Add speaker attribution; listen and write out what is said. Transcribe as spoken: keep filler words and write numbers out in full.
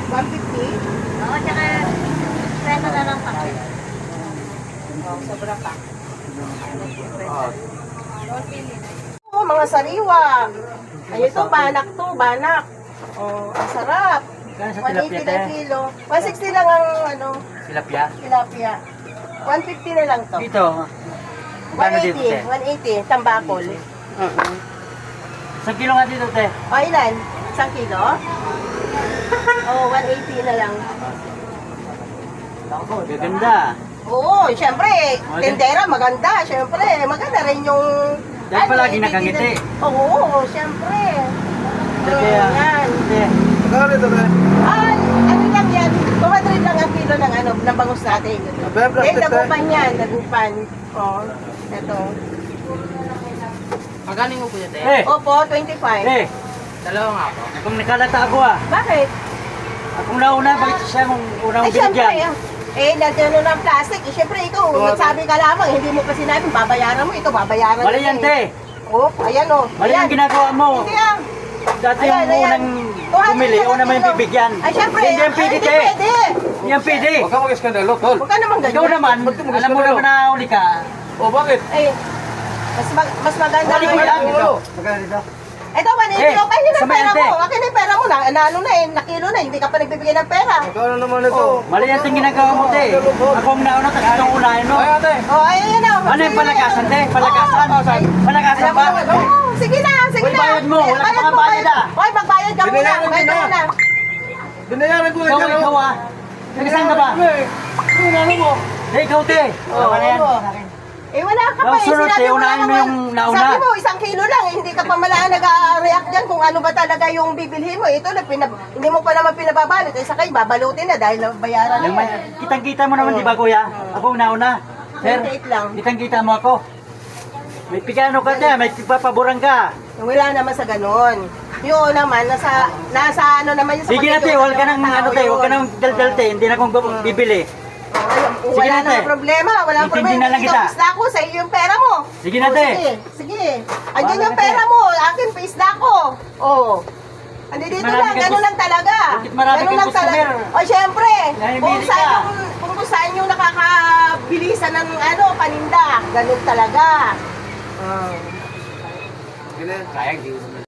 Speaker 1: one fifty?
Speaker 2: Oo, tsaka presa na lang pa.
Speaker 1: Oh, sobra pa. Oh, mga sariwa. Ay, ito, banak to, banak. Oh, ang sarap.
Speaker 3: Kaya sa
Speaker 1: one eighty
Speaker 3: tilapia,
Speaker 1: na
Speaker 3: te?
Speaker 1: kilo. one sixty lang ang, ano,
Speaker 3: Tilapia?
Speaker 1: tilapia. one fifty na lang to.
Speaker 3: Dito. Kano dito,
Speaker 1: one eighty,
Speaker 3: te?
Speaker 1: one eighty, tambakol.
Speaker 3: Uh-huh. Isang kilo nga dito, te.
Speaker 1: O, ilan? Isang kilo? Oh, one eighty na lang.
Speaker 3: Gaganda.
Speaker 1: Oo, syempre,
Speaker 3: Okay.
Speaker 1: tindera, maganda. Syempre, maganda rin yung...
Speaker 3: Dahil
Speaker 1: ano,
Speaker 3: palagi
Speaker 1: hindi-
Speaker 3: nakangiti.
Speaker 1: Oo, syempre.
Speaker 3: Kaya,
Speaker 1: Yan.
Speaker 3: te.
Speaker 4: Magkano ito, be?
Speaker 1: Ah, ano lang yan, two hundred lang ang kilo ng ano, ng bangus natin.
Speaker 4: Abe, plastic,
Speaker 1: Eh, nagupan yan, nagupan. Oh, ito.
Speaker 5: Magkano mo po yun, te?
Speaker 3: Eh,
Speaker 1: Opo, twenty-five.
Speaker 3: eh.
Speaker 5: Dalawa nga po.
Speaker 3: Akong nakalata ako ah.
Speaker 1: Bakit?
Speaker 3: Akong nauna, bakit siya mong unang
Speaker 1: Eh, syempre,
Speaker 3: binigyan?
Speaker 1: eh, nandiyan ng plastic. Eh, syempre, ikaw, nagsabi ka lamang, hindi mo pa sinabi, babayaran mo, ito, babayaran
Speaker 3: Mali
Speaker 1: mo
Speaker 3: yan,
Speaker 1: eh.
Speaker 3: te.
Speaker 1: Oh, ayan oh.
Speaker 3: Mali
Speaker 1: Ayan.
Speaker 3: ang ginagawa mo.
Speaker 1: Hindi ah.
Speaker 3: Dati
Speaker 1: Ayan,
Speaker 3: yung
Speaker 1: ayan.
Speaker 3: unang
Speaker 1: two hundred
Speaker 3: bumili,
Speaker 1: na
Speaker 3: una mo yung
Speaker 1: kilo.
Speaker 3: bibigyan.
Speaker 1: Ay, syempre.
Speaker 3: Hindi yan
Speaker 1: ay,
Speaker 3: pwede,
Speaker 1: hindi
Speaker 3: te.
Speaker 1: pwede.
Speaker 3: Hindi yan pwede.
Speaker 4: Huwag ka mag-eskandalo, tol.
Speaker 1: Huwag ka naman ganyan.
Speaker 3: Ikaw naman,
Speaker 4: Ba't ka mag-eskandalo?
Speaker 3: alam mo naman na uli ka.
Speaker 4: O, bakit?
Speaker 1: Eh, mas, mag, mas maganda
Speaker 3: Wali ko
Speaker 1: ngayon.
Speaker 3: yan.
Speaker 4: Ulo.
Speaker 3: Magkano dito?
Speaker 1: Ito, one eighty.
Speaker 3: Eh,
Speaker 1: Okay, yun ang
Speaker 3: samayan,
Speaker 1: pera
Speaker 3: te.
Speaker 1: mo. Akin na yung pera mo. Na, naano na eh, nakilo na. Hindi ka pa nagbibigay ng pera.
Speaker 4: Magkano naman ito?
Speaker 1: Oh.
Speaker 3: Mali yan ang ginagawa mo, te. Ako ang nauna, tapos itong unahin mo.
Speaker 4: Ay, ate.
Speaker 1: Oh, ayun na.
Speaker 3: Ano yung palakasan, te? Palakasan? Palakasan
Speaker 1: Alam
Speaker 3: ba?
Speaker 1: mo, oh, sige na, sige
Speaker 3: Uy,
Speaker 1: na.
Speaker 3: bayad mo. Wala ka pang bayad, ah.
Speaker 1: Hoy, magbayad ka muna.
Speaker 4: Binayaran ko
Speaker 1: Bayad ka
Speaker 4: na.
Speaker 1: muna.
Speaker 4: Binayaran ko na
Speaker 3: Ikaw,
Speaker 4: dyan,
Speaker 3: ikaw
Speaker 4: oh.
Speaker 3: ah. Nagasan ka ba?
Speaker 4: Yung ano mo?
Speaker 3: Eh, ikaw, te.
Speaker 1: Oh,
Speaker 3: Ano na yan?
Speaker 1: ano? Eh, wala ka pa
Speaker 3: Yung
Speaker 1: eh.
Speaker 3: sunod,
Speaker 1: Sinabi
Speaker 3: eh,
Speaker 1: mo
Speaker 3: unahin
Speaker 1: lang
Speaker 3: mo
Speaker 1: naman.
Speaker 3: yung nauna.
Speaker 1: Sabi mo, isang kilo lang. eh, Hindi ka pa malaan nag-react dyan kung ano ba talaga yung bibilhin mo. Ito, lang, pinab hindi mo pa naman pinababalot. Eh, sakay, babalutin na dahil bayaran na
Speaker 3: Yung
Speaker 1: yan.
Speaker 3: may, kitang-kita mo naman, di ba, kuya? Ako ang nauna. Sir,
Speaker 1: twenty-eight lang.
Speaker 3: kitang-kita mo ako. May pigano ka dyan, may papaboran ka.
Speaker 1: Wala naman sa ganon. Yun naman, nasa, nasa ano naman yun sa
Speaker 3: Sige na, te,
Speaker 1: pagkakita
Speaker 3: huwag ka
Speaker 1: ng
Speaker 3: nang,
Speaker 1: tao
Speaker 3: ano, te, huwag ka
Speaker 1: yun.
Speaker 3: nang daldal, te. Hindi na akong bibili.
Speaker 1: Oh, ayun,
Speaker 3: Sige
Speaker 1: wala
Speaker 3: na, te.
Speaker 1: namang problema, wala
Speaker 3: Intindi
Speaker 1: problema.
Speaker 3: na lang
Speaker 1: Ikaw,
Speaker 3: kita.
Speaker 1: pisda ko, sa iyo yung pera mo.
Speaker 3: Sige na,
Speaker 1: Oh,
Speaker 3: te.
Speaker 1: Sige, sige. Andyan
Speaker 3: Bahala
Speaker 1: yung
Speaker 3: ka,
Speaker 1: pera
Speaker 3: te.
Speaker 1: mo, akin pisda ko. Oh. Andi dito
Speaker 3: Marami
Speaker 1: lang,
Speaker 3: kang
Speaker 1: ganun
Speaker 3: cus-
Speaker 1: lang talaga.
Speaker 3: Bakit marami
Speaker 1: Ganun
Speaker 3: kang
Speaker 1: lang talaga.
Speaker 3: customer?
Speaker 1: O syempre,
Speaker 3: Dahil
Speaker 1: kung
Speaker 3: bili
Speaker 1: saan,
Speaker 3: ka.
Speaker 1: yung, kung, kung saan yung nakakabilisan ng ano, paninda. Ganun talaga. Oh.
Speaker 4: Sige na.
Speaker 5: Sayang, di ko naman.